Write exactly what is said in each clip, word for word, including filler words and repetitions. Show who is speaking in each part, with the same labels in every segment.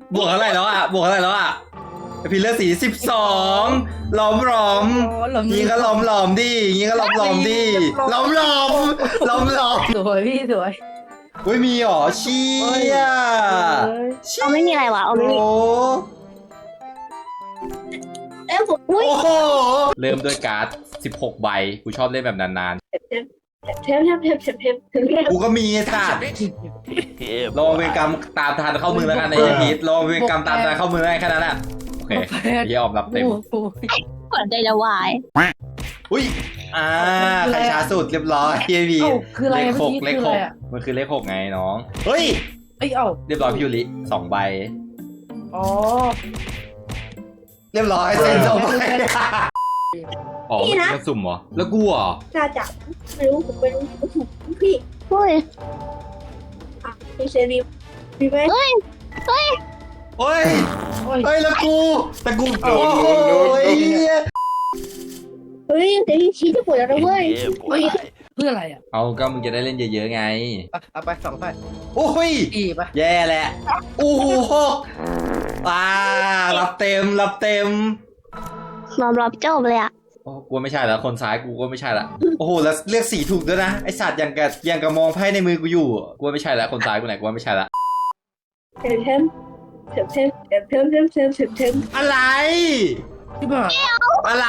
Speaker 1: บวกเท่าไหร่แล้วอ่ะบวกเท่าไหร่แล้วอ่ะพี่เลือดสีสิบสองล้อมหลอมยิงก็ล้อมหลอมดิยิงก็ล้อมหลอมดิล้อมหลอมล้อมหลอม
Speaker 2: สวยพี่สวย
Speaker 1: เฮ้ยมีหรอเชี่ย
Speaker 3: เอาไม่มีอะไรวะเอาไม่มี
Speaker 1: โอ้
Speaker 3: เอ้ยผม
Speaker 1: โอ้โหเริ่มด้วยการ์ดสิบหกใบกูชอบเล่นแบบนาน
Speaker 3: เทมเทมเทมเทมเทมเทมเทม
Speaker 1: ๆกูก็มีไอ้สัตว์รอเวรกรรมตามทันเข้ามือแล้วกันไอ้พีทรอเวรกรรมตามทันเข้ามือได้แค่นั้นแหละโอเคพี่ออมรับเต็ม
Speaker 3: หัวใจจะวาย
Speaker 1: อุ้ยอ่าใครช้าสุดเรียบร้อยพี่พี
Speaker 2: เอ้าคืออะไร
Speaker 1: เลขหก
Speaker 2: เมื่อกี้
Speaker 1: เลข
Speaker 2: คือ
Speaker 1: ห
Speaker 2: อะไร
Speaker 1: ก
Speaker 2: อะ
Speaker 1: มันคือเลขหกไงน้องเฮ้ย
Speaker 2: เอ้ยเอ้า
Speaker 1: เรียบร้อยพี่ยูริสองใบ
Speaker 2: อ๋อ
Speaker 1: เรียบร้อยเซ็นสองใบอ๋อเลือกสุ่มเหรอแล้วกูเหรอ
Speaker 3: น่าจะไม่รู้ผมเป็นพี่เฮ้ยอ่ะมีเซรีมีไหมเฮ้ยเฮ้ย
Speaker 1: เฮ้ย
Speaker 2: โอ้ย
Speaker 1: เฮ้ยแล้วกูแต่กู
Speaker 2: โอ้
Speaker 1: โอ้
Speaker 2: โห
Speaker 1: โหไอ้เหี้ย
Speaker 3: เฮ้ยเดี๋ยวชี้จะปวดแล้วนะเว้ย
Speaker 2: เฮ้ยเพื่ออะไรอ่ะ
Speaker 1: เอาก็มึงจะได้เล่นเยอะๆไง
Speaker 2: อ่ะเอาไปสองไป
Speaker 1: โอ้ย
Speaker 2: อีไป
Speaker 1: แย่แหละโอ้โหหกอ่ารับเต็มรับเต็ม
Speaker 3: นอนรับจบเลยอ่ะ
Speaker 1: โอ้กูไม่ใช่แล้วคนซ้ายกูก็ไม่ใช่ละโอ้โหแล้วเลือกสีถูกด้วยนะไอสัตว์ยังกับยังกับมองไพ่ในมือกูอยู่กูไม่ใช่ละคนซ้ายกูไหนกูไม่ใช่ละ
Speaker 3: เทมเทมเทมเทมเทมเทมเทมเทมเทมเทม
Speaker 1: อะไร
Speaker 2: ที่บ้าน
Speaker 1: อะไร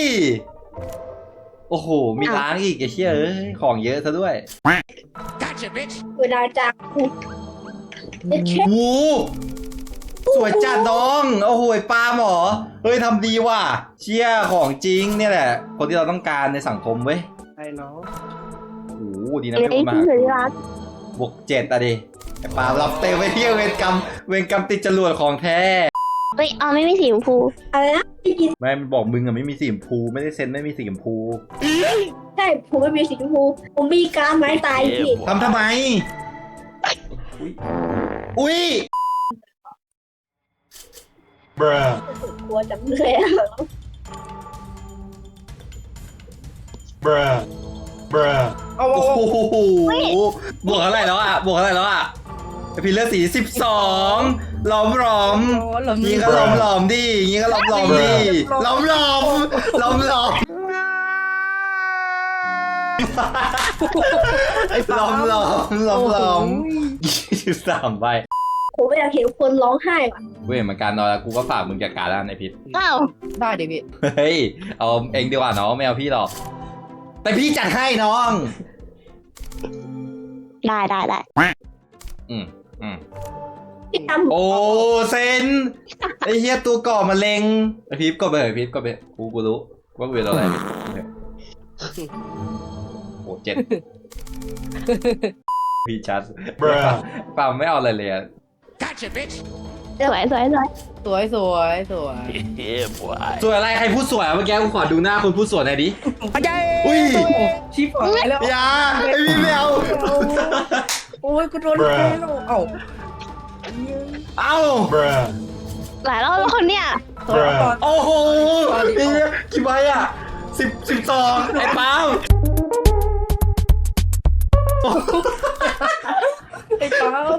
Speaker 1: โอ้โหมีล้างอีกไอ้เชี่ยเอ้ยของเยอะซะด้วย
Speaker 3: เวลาจากเด็กเช็ค
Speaker 1: วูสวยจัดน้องโอ้โหปลาหมอเฮ้ยทำดีว่ะเชี่ยของจริงเนี่ยแหละ คนที่เราต้องการในสังคมเว้ย
Speaker 2: ไอ้น้อง
Speaker 1: โอ้โหดีนะ
Speaker 3: เด็ก
Speaker 1: พี่
Speaker 3: ที่
Speaker 1: มา
Speaker 3: สุดที่รัก
Speaker 1: บวกเจ็ดอะดิไอ้ปลารับเต็มไปเที่ยวเวรกรรมเวรกรรมติดจรวดของแท้
Speaker 3: เฮ้ยเอาไม่มีสีชมพูอะไรนะไม่กิน
Speaker 1: ไม่มันบอกมึงอะไม่มีสีชมพูไม่ได้เซ็นไม่มีสีชมพู
Speaker 3: ใช่ผมไม่มีสีชมพูผมมีการไม้ตายพี่
Speaker 1: ทำทำไม อุ้ย
Speaker 4: Bruh.
Speaker 3: กลัวจังเลยอะ
Speaker 4: Bruh. Bruh.
Speaker 2: เอา
Speaker 1: โอ้
Speaker 2: เอา
Speaker 1: โหบวกเท่าไหร่แล้วอ่ะบวกเท่าไหร่แล้วอ่ะพี่เลือดสีสิบสองล้อมหลอม
Speaker 2: เอา
Speaker 1: ยิงก็ล้อมหลอมดิยิงก็ล้อมหลอมดิล้อมหลอมล้อมหลอม
Speaker 2: ไอ้
Speaker 1: ล้อมหลอมล้อมหลอมยี่สิบสามใบ
Speaker 3: ผมไม่อยากเห็นคนร้องไห้ว่ะ
Speaker 1: เว้ยเหมือนกันนอนแล้วกูก็ฝากมึงจัดการแล้วไอ้พิษ
Speaker 3: อ้าว
Speaker 2: ได้เดี๋ยวพี่
Speaker 1: เฮ้ยเอาเองดีกว่าน้องไม่เอาพี่หรอกแต่พี่จัดให้น้อง
Speaker 3: ได้ได้ได้
Speaker 1: อืมอืม
Speaker 3: พี่ทำ
Speaker 1: โอ้เซนไอ้เหี้ยตัวก่อมะเร็งไอ้พีฟก็ไปเถอะพีฟก็ไปกูกูรู้ว่ากูเป็นอะไรโอ้เจ็ดพี่ชัด
Speaker 4: Bruh.
Speaker 1: ปาไม่เอาอะไรเลยอะ
Speaker 3: สวยสวยสวย
Speaker 2: สวยสวยสวย
Speaker 4: Yeah, boy.
Speaker 1: สวยอะไรใครพูดสวยอะเมื่อกี้กูขอดูหน้าคนพูดสวยหน่อยดิอุ้ย
Speaker 2: ชิบหายแล้ว
Speaker 1: อย่าไอ้พี่ไม่เอา
Speaker 2: โอ้ยกูโดนแพ้แล้วเอ้า
Speaker 1: เอ้า
Speaker 4: Bruh.
Speaker 3: หลายรอบแล้วคนเนี้ย
Speaker 2: สวยก่อน
Speaker 1: โอ้โหไอ้เหี้ยกี่ใบอะสิบสิบสองไอ้ปาล์ม
Speaker 2: ไอ้ป๊าบ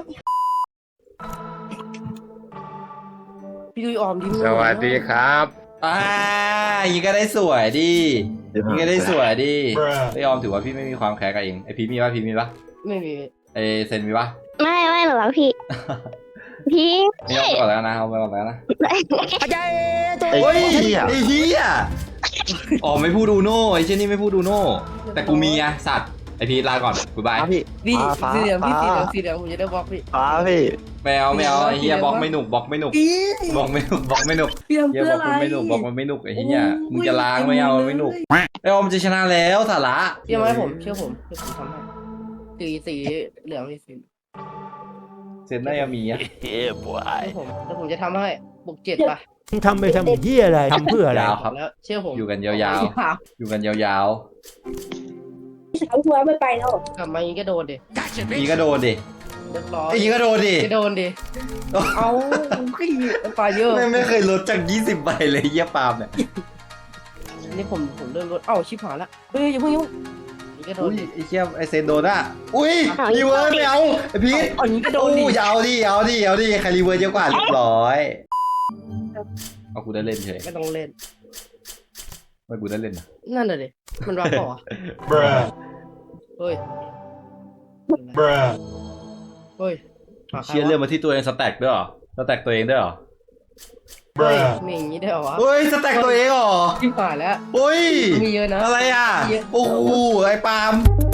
Speaker 2: พี่ดุยออมดิ
Speaker 5: สวัสดีครับ
Speaker 1: อ่ายิงก็ได้สวยดิยิงก็ได้สวยดิ
Speaker 4: Bruh.
Speaker 1: ไม่ยอมถือว่าพี่ไม่มีความแค้นกับเองไอพีมีปะพีมีปะ
Speaker 2: ไม่มี
Speaker 1: ไอเซนมีปะ
Speaker 3: ไม่ไม่หนูรักพี่ พี่
Speaker 1: ไม่ยอมก่อนแล้วนะเอาไปก่อนแล้วนะ
Speaker 5: ไอ้
Speaker 1: โอ้ย
Speaker 5: เหี้ย
Speaker 1: ไอเฮียอ๋อไม่พูดดูโน่ไอเช่นนี่ไม่พูดดูโน่แต่กูมีอะสัตว์ไอพีลาก่อนกูบาย
Speaker 5: ฟ้าพี่
Speaker 2: พี่
Speaker 5: ฟ้าฟ้า
Speaker 2: สีเหลืองพี่สี
Speaker 5: ฟ้า
Speaker 2: เหลืองสีเหลืองผมจะได้บล็อกพี่
Speaker 5: ฟ้าพี่
Speaker 1: แมวแมวไอเฮียบล็อกไม่หนุกบล็อกไม่หนุก
Speaker 2: อี
Speaker 1: บล็อกไม่หนุกบล็อกไม่หนุก
Speaker 2: พี่ทำ
Speaker 1: เฮีย
Speaker 2: เพื่
Speaker 1: บ
Speaker 2: อ
Speaker 1: ล็อก
Speaker 2: อะไร
Speaker 1: มันไม่หนุกบล็อกมันไม่หนุกไอเฮียมึงจะล้างไม่เอามันไม่หนุกไอออมจะชนะแล้วสาระ
Speaker 2: เชื่อไหมผมเชื่อผมเชื่อผมทำให้สีสีเหลืองพี่สี
Speaker 1: เซนน่าจะมีอะ
Speaker 4: Yeah,
Speaker 2: เชื่
Speaker 4: boy.
Speaker 2: อผมแล้วผมจะทำให้บุกเจ็ดป่ะ
Speaker 6: ทำไปทำเฮียอะไร ทำเพื่ออะไร
Speaker 1: ยาวครับ
Speaker 2: แล้วเชื่อผม
Speaker 1: อยู่กันยาวๆ อยู่กันยาว
Speaker 3: สาวหัวไม่ไปแล้ว
Speaker 2: กลับมาอย่างนี้ก็โดนดิ
Speaker 1: ๆอีก็โดนดิ
Speaker 2: เรียบร้อย
Speaker 1: อีก็โดนดิ
Speaker 2: ก็โดนดิเอาขี้มันปลาเยอะ
Speaker 1: ไม่ไม่เคยลดจากยี่สิบใบเลยเยี่ยปาล์มเนี่ย
Speaker 2: นี่ผมผมเริ่มลดเอ้าชิบหายละเฮ้ยอย่าเพิ่งอย่าเพิ่งก็โด
Speaker 1: อุ้
Speaker 2: น
Speaker 1: ย
Speaker 2: ดิ
Speaker 1: ไอ้เหี้ยไอ้เซนโดนอ่ะอุ้ยรีเวิร์สไม่เอาไอ้พีท
Speaker 2: เอาอย่างนี้ก็โดนดิ
Speaker 1: อู้ยเอาดิเอาดิเอาดิใครรีเวิร์สเยอะกว่าเรียบร้อยเอากูได้เล่นเฉย
Speaker 2: ไม่ต้องเล่น
Speaker 1: ไม่กูได้เล่นนะ
Speaker 2: นั่นน่ะดิมันรับเปล่าวะ
Speaker 4: Bruh.
Speaker 2: เฮ้ย
Speaker 4: Bruh.
Speaker 2: เฮ้ยหาใครวะ
Speaker 1: เชียร์เรื่องมาที่ตัวเองสแต็กด้วยเหรอสแต็กตัวเองด้วยเหรอ
Speaker 2: เฮ้ย
Speaker 4: Bruh.
Speaker 2: มีอย่างนี้ได้เหรอวะ
Speaker 1: เฮ้ยสแต็กตัวเองเหรอ
Speaker 2: ที่ผ่านแล้ว
Speaker 1: เฮ้ย
Speaker 2: มีเยอะนะ
Speaker 1: อะไรอ่ะ
Speaker 2: เยอะ
Speaker 1: โอ้โหไอ้ปาล์ม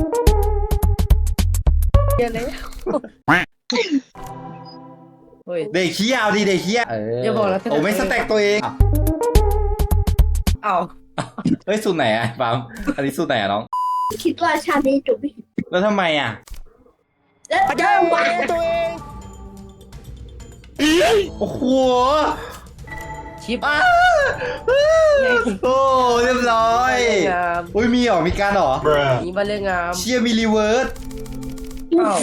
Speaker 2: เยอะเลยเฮ้ย
Speaker 1: เด็กขี้ยาวดิเด็กขี้ยาวเออ
Speaker 2: อย่าบอกนะสแต็ก
Speaker 1: โอ้ไม่สแต็กตัวเอง
Speaker 2: เอ้า
Speaker 1: เฮ้ยสูตรไหนอ่ะปาล์มอันนี้สูตรไหนอ่ะน้อง
Speaker 3: คิดว่าชาตินี้จบไม่
Speaker 1: แล้วทำไมอ่ะ
Speaker 3: แล้ว
Speaker 2: พระเจ้า
Speaker 3: ว่า
Speaker 2: ตัวเอง
Speaker 1: โอ้โห
Speaker 2: ชิป
Speaker 1: อ้าโอ้เรียบร้อย
Speaker 2: งาม
Speaker 1: อุ้ยมีเหรอมีการเหรอ
Speaker 4: Bruh.
Speaker 2: นี่บ้านเรื่องงาม
Speaker 1: เชียร์มีรีเวิร์ส
Speaker 2: เอ้า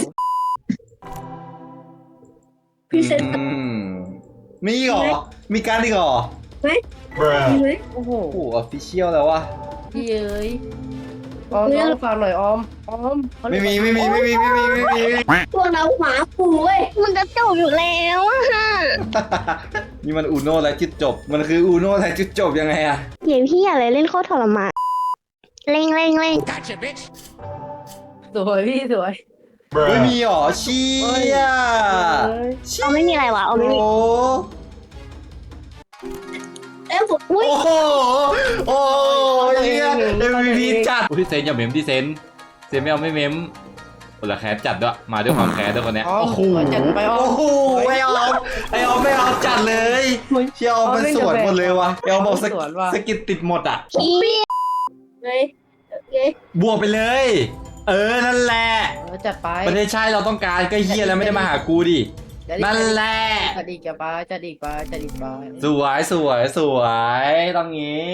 Speaker 3: พรีเซนเตอ
Speaker 1: อื
Speaker 3: ร์
Speaker 1: มมีเหรอมีการอีกเหรอ
Speaker 3: ไหม
Speaker 4: Bruh.
Speaker 3: มีไหม
Speaker 2: โอ้โห
Speaker 1: โอ้ออฟฟิเชียลแล้ววะ
Speaker 2: พี่เอ้ยออมน้องฟังหน่อยออมออมเขาเรี
Speaker 1: ไม่
Speaker 2: ยก
Speaker 1: มีไม่มีไม่มีไม่มีไม่มีไม่มี
Speaker 3: พวกเราหมาปูเว้ย
Speaker 5: มันจะจบอยู่แล้วอะ
Speaker 1: นี่มันอูโน่และจุดจบ มันคืออูโน่และจุดจบยังไงอะ
Speaker 5: เดี๋ยวพี่อะไรเล่นโคตรทรมานเร่งเร่งเร่ง
Speaker 2: สวยพี่สวย
Speaker 1: ไม่
Speaker 4: Bruh.
Speaker 1: มีหรอเชีย
Speaker 2: เอ้ย
Speaker 1: เชี
Speaker 5: เอาไม่มีอะไรวะเอาไม่มี
Speaker 1: โอ้
Speaker 3: แล้วผม
Speaker 5: อุ้ย
Speaker 1: โหโอ้โหเฮียเอ็มวีพีจัดพี่เซนอย่าเมมที่เซนเซนไม่เอาไม่เมมคนละแคสจัดด้วยมาด้วยความแคสด้วยคนเนี้ย
Speaker 2: ออม
Speaker 1: โอ้โห
Speaker 2: จัดไปออ
Speaker 1: โอ้
Speaker 2: ม
Speaker 1: โหไม่เอาไอออมไม่เอาจัดเลยเชียร์ออมเป็นสวนหมดเลยวะไอออมบอกสก
Speaker 2: สวนว่ะ
Speaker 1: สกิดติดหมดอ่ะ
Speaker 5: พี่
Speaker 3: ไงไง
Speaker 1: บวกไปเลย เออนั่นแหละ
Speaker 2: เออจัดไป
Speaker 1: ประเทศชาติเราต้องการก็เฮียแล้วไม่ได้มาหากูดิ
Speaker 2: จัดอีก
Speaker 1: นั่นแหละ
Speaker 2: จัดอีกจัดไปจัดอีกไปจัดอีกไป
Speaker 1: สวยสวยสวยต้องงี้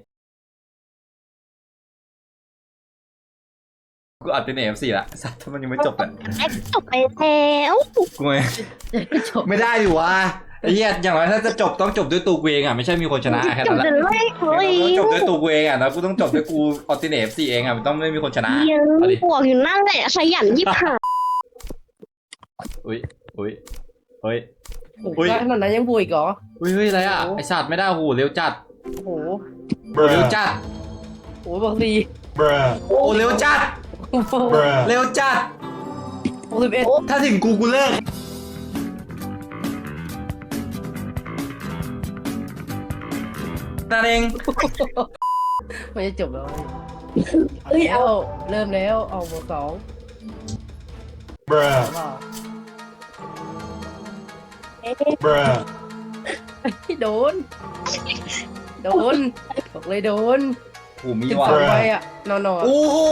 Speaker 1: กูอัดเป็นเอฟซีละสัตว์ถ้ามันยังไม่จบอ่ะ
Speaker 5: แอคจบไปแล้ว
Speaker 1: กูไม่
Speaker 2: จบ
Speaker 1: ไม่ได้ดิวะไอ้เหี้ยอย่างไรถ้าจะจบต้องจบด้วยตัวกูเองอ่ะไม่ใช่มีคนชนะแค่
Speaker 5: จบ
Speaker 1: นั้นแห
Speaker 5: เล
Speaker 1: ละ
Speaker 5: ยเฮ้ย
Speaker 1: ต้องจบด้วยตัวกูเองอ่ะแล้วกูต้องจบด้วยกูออติเนฟซีเองอ่ะมันต้องไม่มีคนชนะ
Speaker 5: เย
Speaker 1: เอาดิ
Speaker 5: อะบวกอยู่นั่นแหละขยันยิบหา
Speaker 1: อุ้ยอุ้ยเฮ้ย
Speaker 2: โอ้โห
Speaker 1: อุ้ย
Speaker 2: ได้ขนาดนั้นยังบวกอีกเหรอ
Speaker 1: อุ้ยเฮ้ยอะไรอ่ะ
Speaker 2: โอ้
Speaker 1: ไอสัตว์ไม่ได้โอ้โหเร็วจัด
Speaker 2: โอ้โห
Speaker 1: เร็ว
Speaker 4: Bruh.
Speaker 1: จัด
Speaker 2: โอ้โหบอกสี่
Speaker 4: Bruh.
Speaker 1: โอ้เร็วจัด
Speaker 2: โอ้โห
Speaker 4: Bruh.
Speaker 1: เร็วจัด
Speaker 2: หกสิบเอ็ด
Speaker 1: ถ้าถึงกูกูเลิกนั่นเอง
Speaker 2: ไม่จะจบแล้ว
Speaker 3: เอ้ยเอา
Speaker 2: เอาเริ่มแล้วเอาบวกสอง
Speaker 4: Bruh.
Speaker 2: ว้าว
Speaker 3: เอ๊ะ
Speaker 4: Bruh.
Speaker 2: โดน โดนบอกเลยโดน
Speaker 1: โอ้มี
Speaker 2: สิบ
Speaker 1: ว่ะ
Speaker 2: สองไปอ่ะนอนๆ
Speaker 1: โอ้โห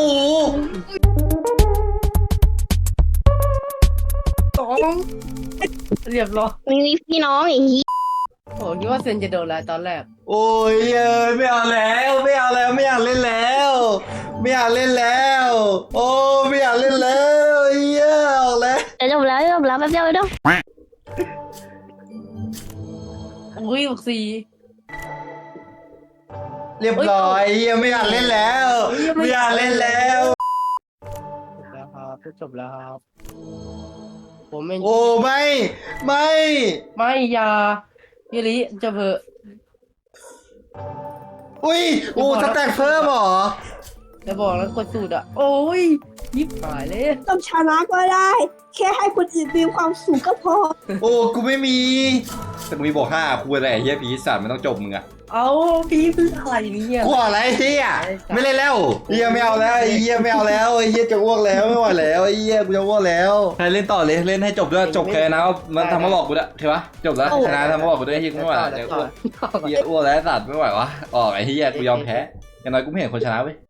Speaker 2: สองเรียบร้อย
Speaker 5: ไม่มีพี่น้องอย่างนี้
Speaker 2: โอ้คิดว่าเซนจะโดนแล้วตอนแรก
Speaker 1: โอ้ยเอ้ยไม่เอาแล้วไม่เอาแล้วไม่อยากเล่นแล้ว ไม่อยากเล่นแล้ว โอ้ไม่อยากเล่นแล้วเฮียออกแล้ว
Speaker 5: จะจบแล้วจบแล้วแป๊บเดียวแป๊บเดียว
Speaker 2: อุ้ยบอกสี่
Speaker 1: เรียบร้อยเฮียไม่อยากเล่นแล้ว ไม่อยากเล่นแล้ว
Speaker 2: จบแล้วครับจบแล้วครับผมไม่
Speaker 1: โอ้ไม่ไม่
Speaker 2: ไม่อยายูริจะเบอะ
Speaker 1: อุ้ยโอ้สแต็กเพิ่มเหรอ
Speaker 2: จะบอกแล้วกดสูตรอ่ะ โอ้ยยิบหายเลย
Speaker 3: ต้องชนะก็ได้ แค่ให้คนอื่นมีความสุขก็พอ
Speaker 1: โอ้กูไม่มีแต่กูมีบอกห้ากูอะไรเฮียผีสัตว์ไม่ต้องจบมึงอะ
Speaker 2: เอาพี่คืออะไรเนี่ย
Speaker 1: กูอะไรเฮียไม่เล่นแล้วเฮียไม่เอาแล้วไอ้เฮียไม่เอาแล้วไอ้เฮียจะอ้วกแล้วไม่ไหวแล้วไอ้เฮียกูจะอ้วกแล้วใครเล่นต่อเลยเล่นให้จบด้วยจบแค่นะมันทำมาบอกกูด้วยใช่ปะจบแล้วชนะทำมาบอกกูด้วยเฮียกูไม่ไหวแล้ว
Speaker 2: ต่อ
Speaker 1: จะ
Speaker 2: ต่
Speaker 1: อ้
Speaker 2: อ
Speaker 1: วกเฮียอ้วกแล้วสัตว์ไม่ไหววะออกไอ้เฮียกูยอมแพ้อย่างน้อยกูไม่เห็นคนชนะเว้ย